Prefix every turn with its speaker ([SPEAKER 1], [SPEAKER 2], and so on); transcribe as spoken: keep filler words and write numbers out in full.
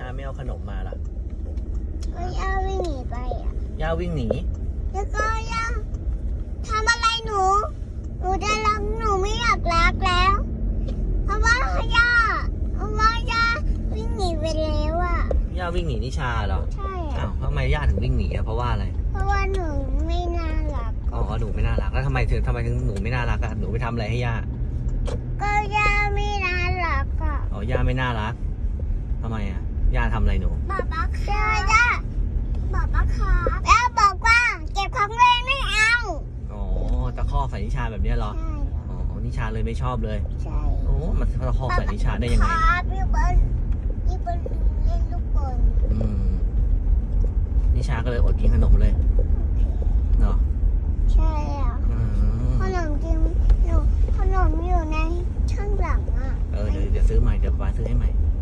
[SPEAKER 1] ไม่เอาขนมมาล่ะ
[SPEAKER 2] ก็ย่าวิ่งหนีไปอ่ะ
[SPEAKER 1] ย่าวิ่งหนี
[SPEAKER 2] แล้วก็ย่าทำอะไรหนูหนูจะรักหนูไม่อยากรักแล้วเพราะว่าย่าเพราะว่าย่าวิ่งหนีไปแล้วอ่ะ
[SPEAKER 1] ย่าวิ่งหนีนิชาเหรอ
[SPEAKER 2] ใช่อ่ะ
[SPEAKER 1] อ้าวทำไมย่าถึงวิ่งหนีอ่ะเพราะว่าอะไร
[SPEAKER 2] เพราะว่าหนูไม่น่ารัก
[SPEAKER 1] อ๋อหนูไม่น่ารักแล้วทำไมถึงทำไมถึงหนูไม่น่ารักอ่ะหนูไปทำอะไรให้ย่า
[SPEAKER 2] ก็ย่าไม่น่ารักอ่ะ
[SPEAKER 1] อ๋อย่าไม่น่ารักทำไมอ่ะย่าทำอะไรหนู
[SPEAKER 2] บอกป้าค่ะย่าบอกป้าค่ะย่าบอกว่าเก็บของเล่นไม่เอา
[SPEAKER 1] อ๋อตะคอกใส่นิชาแบบนี้เหรอ
[SPEAKER 2] ใช่
[SPEAKER 1] อ๋อนิชาเลยไม่ชอบเลย
[SPEAKER 2] ใช่
[SPEAKER 1] โอ้มันตะคอกใส่นิชาได้ยังไง
[SPEAKER 2] ครับพี่บอลพี่บอลเล่นลูกบอล
[SPEAKER 1] อืมนิชาก็เลยอดกินขนมเลยเนาะ
[SPEAKER 2] ใช่อ่ะขนมจริงหนูขนมอยู่ในช่องหลังอ่ะ
[SPEAKER 1] เออเดี๋ยวเดี๋ยวซื้อใหม่เดี๋ยวป้าซื้อให้ใหม่